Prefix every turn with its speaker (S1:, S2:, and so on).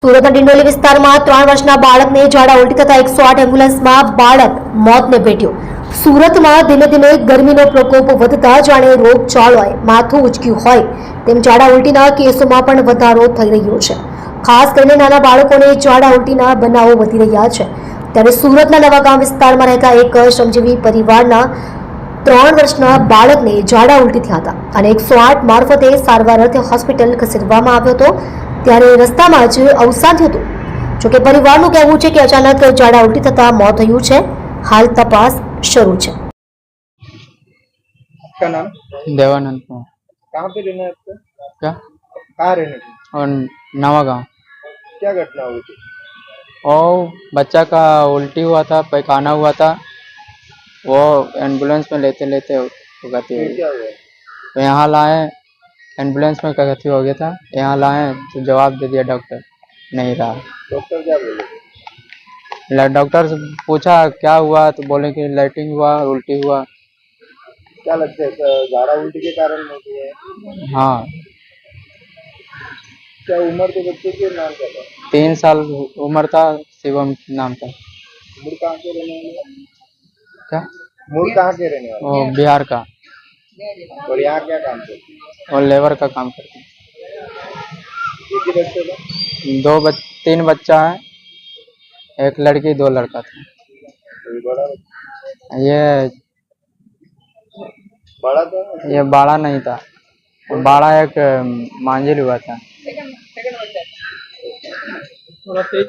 S1: સુરતના ડિંડોલી વિસ્તારમાં 3 વર્ષના બાળકને ઝાડા ઉલટી થતા 108 એમ્બ્યુલન્સમાં બાળક મોતને ભેટ્યો। સુરતમાં ધીમે ધીમે ગરમીનો પ્રકોપ વધતા જાણે રોગચાળોએ માથું ઉચક્યું હોય તેમ ઝાડા ઉલટીના કેસોમાં પણ વધારો થઈ રહ્યો છે। ખાસ કરીને નાના બાળકોને ઝાડા ઉલટીના બનાવો વધી રહ્યા છે। ત્યારે સુરતના નવાગામ વિસ્તારમાં રહેતા એક શ્રમજીવી પરિવારના 3 વર્ષના બાળકને ઝાડા ઉલટી થયા હતા અને 108 મારફતે સારવાર અર્થે હોસ્પિટલ ખસેડવામાં આવ્યો હતો। ત્યારે રસ્તામાં જ અવસાન થયું હતું। જોકે પરિવારનું કહેવું છે કે અચાનક ઝાડા ઉલટી થતા મોત થયું છે। હાલ તપાસ શરૂ છે।
S2: आपका नाम?
S3: देवानंद कुमार।
S2: कहाँ पे रहना है आपको?
S3: क्या?
S2: कहाँ रहने की?
S3: और नवा गाँव।
S2: क्या घटना हुई थी?
S3: और बच्चा का उल्टी हुआ था, पैखाना हुआ था, वो एम्बुलेंस में लेते लेते गति हो
S2: फिर
S3: गई।
S2: क्या हुआ?
S3: तो यहाँ लाए, एम्बुलेंस में गति हो गया था, यहाँ लाए तो जवाब दे दिया डॉक्टर नहीं रहा।
S2: डॉक्टर क्या बोले?
S3: डॉक्टर से पूछा क्या हुआ तो बोले कि लैट्रिन हुआ, उल्टी हुआ।
S2: क्या लगता है झाड़ा उल्टी के कारण होती है?
S3: हाँ,
S2: क्या उम्र के बच्चे के नाम क्या था?
S3: 3 साल उम्र था, शिवम नाम था।
S2: मूल कहाँ के रहने वाले?
S3: क्या?
S2: मूल कहाँ के रहने वाले?
S3: वो बिहार का,
S2: और यहाँ क्या काम करते हैं?
S3: और लेबर का काम करते हैं।
S2: एक ही बच्चे का?
S3: 3 बच्चा है, एक लड़की 2 लड़का था।
S2: कोई बड़ा
S3: ये
S2: बड़ा था?
S3: ये बाड़ा नहीं था, बाड़ा एक मांझिल हुआ था।